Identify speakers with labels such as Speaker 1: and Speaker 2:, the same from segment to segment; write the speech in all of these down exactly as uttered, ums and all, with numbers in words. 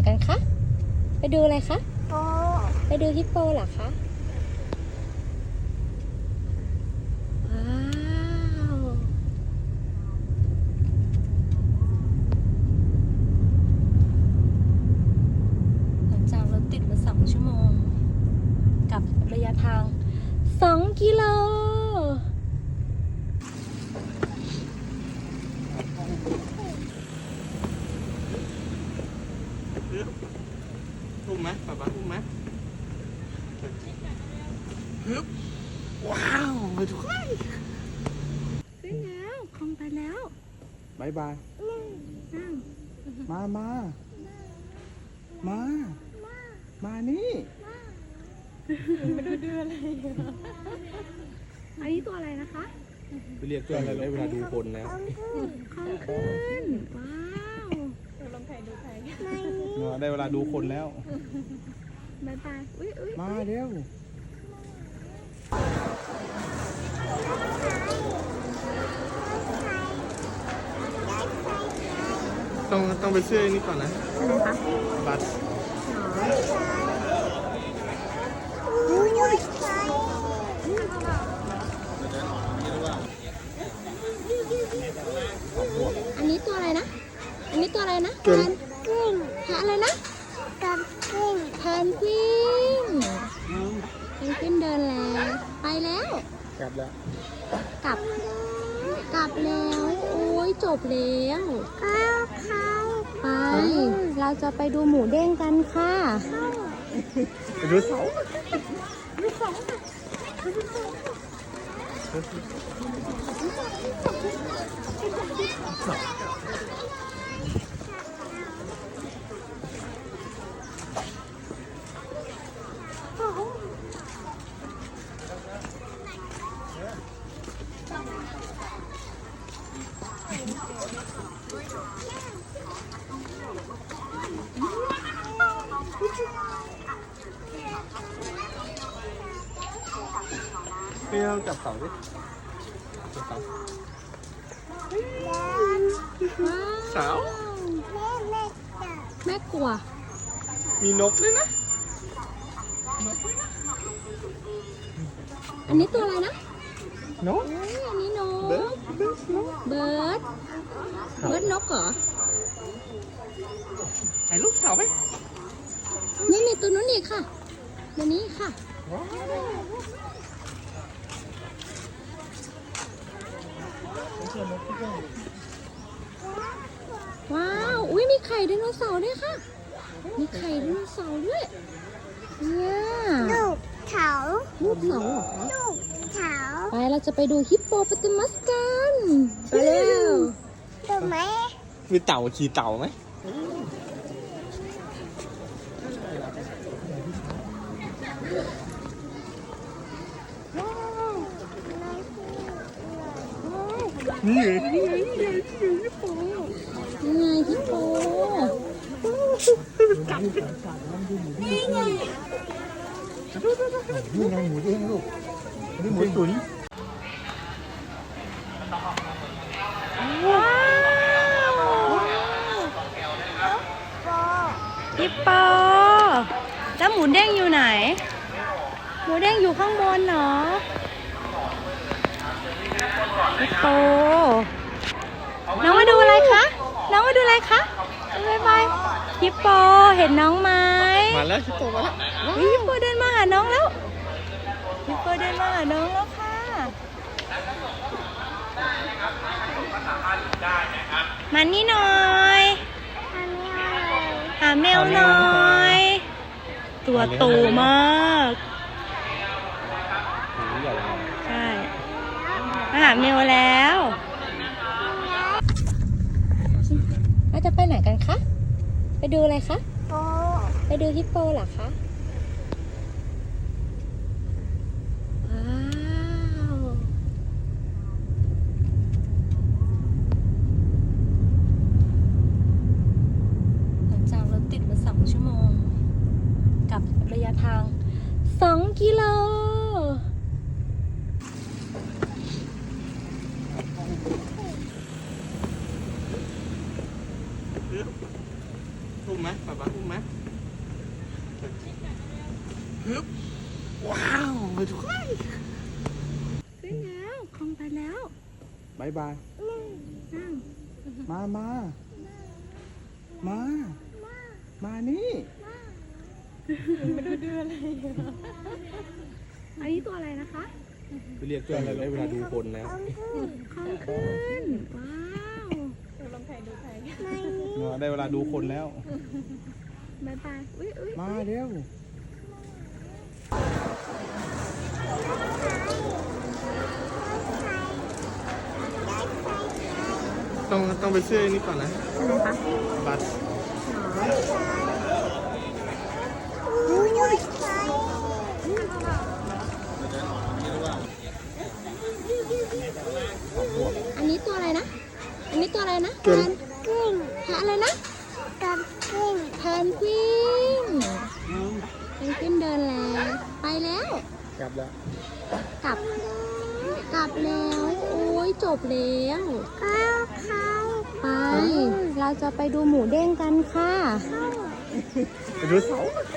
Speaker 1: กันคะไปดูอะไรคะ
Speaker 2: โป
Speaker 1: ไปดูฮิปโปเหรอคะว้าวหลังจากรถติดมาสองชั่วโมงกับระยะทางสองกิโล
Speaker 3: อุ้มไหมป๊าป๊าอุ้มไหมฮึบว้าวไปทุกคน
Speaker 1: ขึ้นแล้วคงไปแล้ว
Speaker 3: บายบาย
Speaker 1: นั่ง
Speaker 3: มามา มา มานี่
Speaker 1: มาดูเดืออะไรอันนี้ตัวอะไรนะคะ
Speaker 3: ไปเรียกตัวอะไรได้เวลาดูคนแล้ว
Speaker 1: คองขึ้นว้าวลองถ่ายดูถ่าย
Speaker 3: ได้เวลาดูคนแล้ว
Speaker 1: บายบายอุ้ยอุ้ย
Speaker 3: มาเร็ว ต้องต้องไปซื้ออันนี้ก่อนนะ
Speaker 1: อะไรคะ
Speaker 3: บัตร
Speaker 1: อันนี้ตัวอะไรนะ อันนี้ตัวอะไรนะแพ
Speaker 3: เก่ง
Speaker 1: นกวินแพนอะไรนะ
Speaker 2: กับกิ้ง
Speaker 1: แพนกวินแพนกวินเดินแล้วไปแล้ว
Speaker 3: กลับแล้ว
Speaker 1: กลับ กลับแล้ว โอ้ยจบแล้ว
Speaker 2: ข้าวไข่
Speaker 1: ไป เราจะไปดูหมูเด้งกันค่ะ
Speaker 3: ไปดูเสาพี่เราจับเสาดิจับเสา เสา
Speaker 2: แม่แม่จับ
Speaker 1: แม่กลัว
Speaker 3: มีนกด้วยนะ
Speaker 1: อันนี้ตัวอะไรนะ
Speaker 3: นก
Speaker 1: เฮ้ยอันนี้นก
Speaker 3: เบิร์ดเบิร์ดนก
Speaker 1: เบิร์ด เบิร์ดนกเหรอ
Speaker 3: ถ่ายรูปเสาไหม
Speaker 1: นี่มีตัวนู้นอีกค่ะตัวนี้ค่ะ ว้าว อุ้ยมีไข่ไดโนเสาร์ด้วยค่ะ มีไข่ไดโนเสาร์ด้วย เนี่ย
Speaker 2: ลูกเถา
Speaker 1: ลูกเสาเหรอ
Speaker 2: ลูกเถา
Speaker 1: ไปเราจะไปดูฮิปโปโปเตมัสกัน ไปเร็ว
Speaker 2: ถูกไหม
Speaker 3: มีเต่าขี่เต่าไหมนี่ไงนี่ไงนี่ไงฮิปโป
Speaker 1: นี่ไงฮิปโป
Speaker 3: นี่ไงหมูเด้งลูกนี่หมูตุ๋น
Speaker 1: ว้าว
Speaker 2: โป
Speaker 1: ฮิปโป แล้วหมูเด้งอยู่ไหน หมูเด้งอยู่ข้างบนเหรอ ฮิปโป น้องมาดูอะไรคะ น้องมาดูอะไรคะบายบายฮิปโป เห็นน้องไหม
Speaker 3: มาแล้วฮิปโปมาแล้ว
Speaker 1: เฮ้ยฮิปโปเดินมาหาน้องแล้วฮิปโปเดินมาหาน้องแล้วค่ะ มานี่หน่อย
Speaker 2: ทำยังไง
Speaker 1: หาแมวหน่อย ตัวโตมาก
Speaker 3: หมูใหญ่เลย
Speaker 1: ใช่ มาหาแมวแล้วเราจะไปไหนกันคะ ไปดูอะไรคะ
Speaker 2: โป
Speaker 1: ไปดูฮิปโปเหรอคะ ว้าว หลังจากรถติดมาสองชั่วโมงกับระยะทางสองกิโล
Speaker 3: อุ้มไหมป๊าป๊าอุ้มไหมฮึบว้าวไปทุกคน
Speaker 1: ขึ้นแล้วคลองไปแล้ว
Speaker 3: บายบาย
Speaker 1: นั่ง
Speaker 3: มามา มา มานี่
Speaker 1: อันนี้ตัวอะไรนะคะ
Speaker 3: ไปเรียกตัวอะไรได้เวลาดูคนแล้ว
Speaker 1: คลองขึ้น ว้าว
Speaker 3: ได้เวลาดูคนแล้ว
Speaker 1: บายบายอุ้ยอุ้ย
Speaker 3: มาเร็ว ต้องต้องไปซื้ออันนี้ก่อนนะ
Speaker 1: อะไรคะ
Speaker 3: บัตร
Speaker 1: อันนี้ตัวอะไรนะ อันนี้ตัวอะไรนะ
Speaker 3: เกิน
Speaker 2: กิ้ง
Speaker 1: แพะอะไรนะ
Speaker 2: กับกิ้ง
Speaker 1: แพนกวินแพนกวินเดินแล้ว ไปแล้ว
Speaker 3: กลับแล้ว
Speaker 1: กลับ กลับแล้ว โอ้ยจบแล้ว
Speaker 2: เข้าเข้า
Speaker 1: ไป เราจะไปดูหมูเด้งกันค่ะ
Speaker 3: ไปดูเสา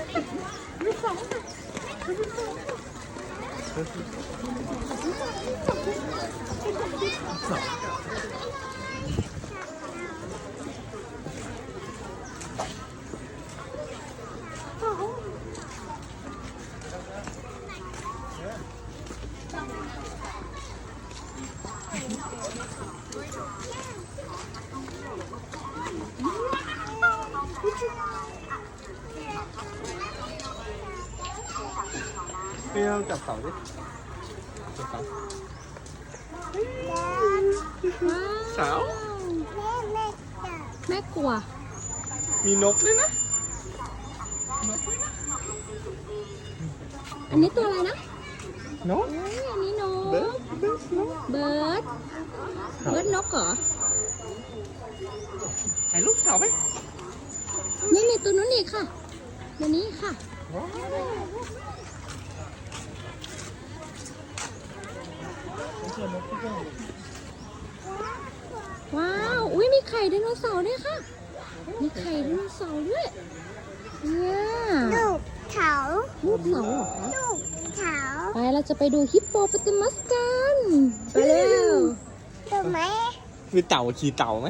Speaker 3: เปรี้ยวจับเสาดิจับเสา เสา
Speaker 2: แม่แม่จับ
Speaker 1: แม่กลัว
Speaker 3: มีนกด้วยนะ
Speaker 1: อันนี้ตัวอะไรนะ
Speaker 3: นก
Speaker 1: เอ้ยอันนี้นก
Speaker 3: เบิร์ดเบิร์ดนก
Speaker 1: เบิร์ด เบิร์ดนกเหรอ
Speaker 3: ถ่ายรูปเสาไหม
Speaker 1: นี่มีตัวนู้นอีกค่ะตัวนี้ค่ะ ว้าว อุ้ยมีไข่ไดโนเสาร์ด้วยค่ะ มีไข่ไดโนเสาร์ด้วย เนี่ย
Speaker 2: ลูกเถา
Speaker 1: ลูกเสาเหรอคะ
Speaker 2: ลูกเถา
Speaker 1: ไปเราจะไปดูฮิปโปโปเตมัสกัน ไปเร็ว
Speaker 2: ถูกไหม
Speaker 3: มีเต่าขี่เต่าไหม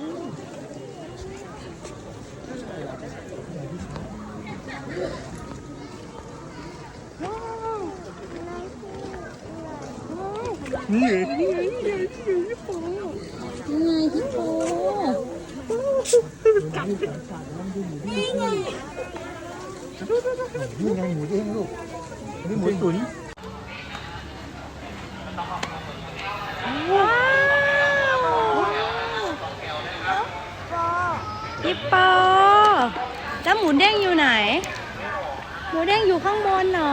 Speaker 3: นี่ไงนี่ไงนี่ไงนี่ไงฮิปโป
Speaker 1: นี่ไงฮิปโป
Speaker 3: นี่ไงหมูเด้งลูกนี่หมูตุ๋น
Speaker 1: ว้าวฮิปโปแล้วหมูเด้งอยู่ไหน หมูเด้งอยู่ข้างบนเหรอ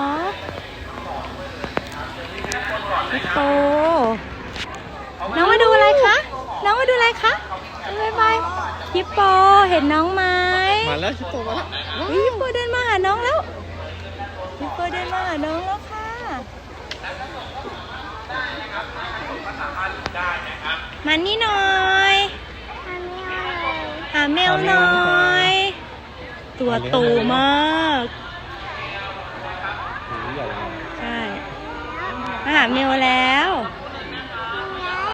Speaker 1: ฮิปโปน้องมาดูอะไรคะ น้องมาดูอะไรคะบายบายฮิปโปเห็นน้องไหม
Speaker 3: มาแล้วฮิปโปมาแล้ว
Speaker 1: เฮ้ยฮิปโปเดินมาหาน้องแล้วฮิปโปเดินมาหาน้องแล้วค่ะมานี่หน่อย หาแมวหน่อย ตัวโตมาก
Speaker 3: หมูใหญ่เลย
Speaker 1: ใช่ มาหาแมวแล้ว